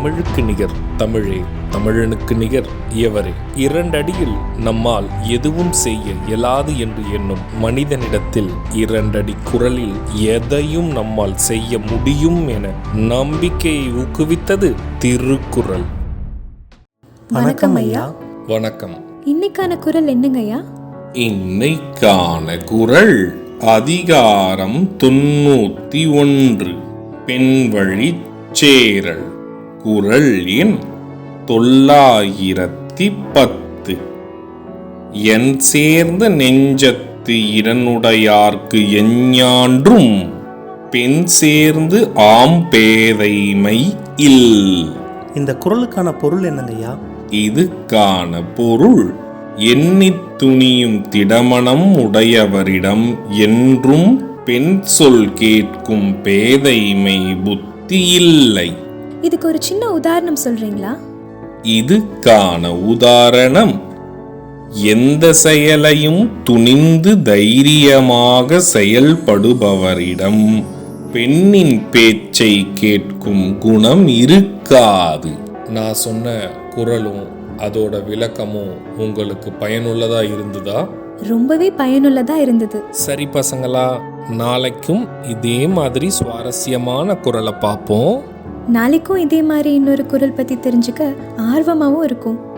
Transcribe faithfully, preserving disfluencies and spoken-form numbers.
தமிழுக்கு நிகர் தமிழே, தமிழனுக்கு நிகர் இயவரே. இரண்டடியில் நம்மால் எதுவும் செய்ய இயலாது என்று எண்ணும் மனிதனிடத்தில் இரண்டடி குரலில் எதையும் நம்மால் செய்ய முடியும் என நம்பிக்கையை ஊக்குவித்தது திருக்குறள். வணக்கம் ஐயா. வணக்கம். இன்னைக்கான குறள் என்னங்க ஐயா? இன்னைக்கான குறள் அதிகாரம் தொண்ணூத்தி ஒன்று, பெண்வழி சேரல். குறள் எண் தொள்ளாயிரத்தி பத்து. என் சேர்ந்த நெஞ்சத்து இடனுடையார்க்கு எஞ்ஞான்றும் பெண் சேர்ந்து ஆம் பேதைமை இல். இந்த குறளுக்கான பொருள் என்னங்கய்யா? இதுக்கான பொருள், எண்ணித் துணியும் திடமனம் உடையவரிடம் என்றும் பெண் சொல் கேட்கும் பேதைமை புத்தி இல்லை. இதுக்கு ஒரு சின்ன உதாரணம் சொல்றீங்களா? இதுக்கான உதாரணம், எந்த செயலையும் துணிந்து தைரியமாக செயல்படுபவரிடம் பெண்ணின் பேச்சை கேட்கும் குணம் இருக்காது. நான் சொன்ன குறளும் அதோட விளக்கமும் உங்களுக்கு பயனுள்ளதா இருந்ததா? ரொம்பவே பயனுள்ளதா இருந்தது. சரி பசங்களா, நாளைக்கும் இதே மாதிரி சுவாரஸ்யமான குறளை பார்ப்போம். நாளைக்கும் இதே மாதிரி இன்னொரு குறள் பத்தி தெரிஞ்சுக்க ஆர்வமாவும் இருக்கும்.